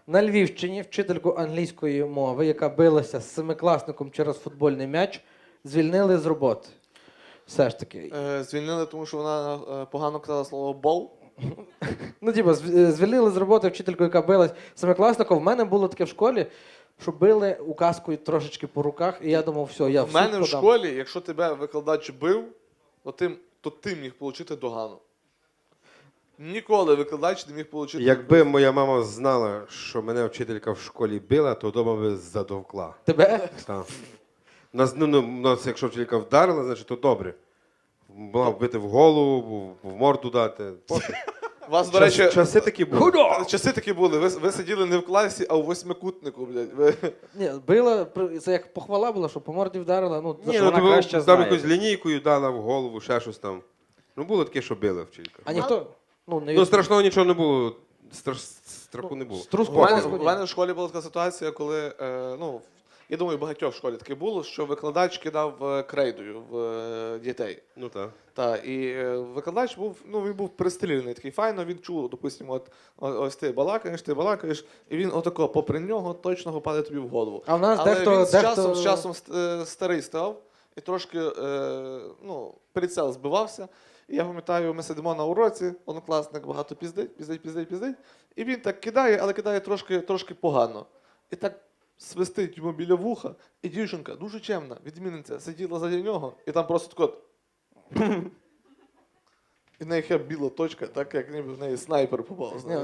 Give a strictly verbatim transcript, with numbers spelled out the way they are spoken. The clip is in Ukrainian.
На Львівщині вчительку англійської мови, яка билася з семикласником через футбольний м'яч, звільнили з роботи. Все ж таки. Е, Звільнили, тому що вона е, погано казала слово бол. Ну, типу, зв- звільнили з роботи вчительку, яка билась з семикласником. В мене було таке в школі, що били указкою трошечки по руках, і я думав, все, я в У суд мене в подам. школі, якщо тебе викладач бив, то ти, то ти міг отримати догану. Ніколи викладач не міг отримати. Якби моя мама знала, що мене вчителька в школі била, то вдома би задовкла. Тебе? Так. Нас, ну, ну, нас, якщо вчителька вдарила, значить, то добре. Була вбити в голову, в морду дати. Пофіг. У вас, до Час- речі, часи такі були. часи такі були. Ви, ви сиділи не в класі, а у восьмикутнику, блядь. Ви... Ні, била, при- це як похвала була, що по морді вдарила, ну, за Ні, що ну, вона то краще там знає. якусь лінійкою дала в голову, ще щось там. Ну, було таке, що била вчителька. А ніхто, ну, не Ну, страшного нічого не було. Страх, страху не було. струс У мене, мозку у ні. мене в школі була така ситуація, коли, е, ну, я думаю, багатьох в школі таке було, що викладач кидав е, крейдою в е, дітей. Ну так. Та, і е, викладач був, ну, він був пристрілений, такий файно, він чув, допустимо, от, о- ось ти балакаєш, ти балакаєш, і він отако, попри нього, точно попаде тобі в голову. А в нас Але дехто, він з дехто... часом, з часом ст- е, старий став і трошки, е, ну, прицел збивався. І я пам'ятаю, ми сидимо на уроці, однокласник багато піздить, піздить, піздить, піздить. І він так кидає, але кидає трошки, трошки погано. І так свистить йому біля вуха, і дівчинка, дуже чемна, відмінниця, сиділа заді нього, і там просто тако. І в неї є біла точка, так як ніби в неї снайпер попав. знаєш.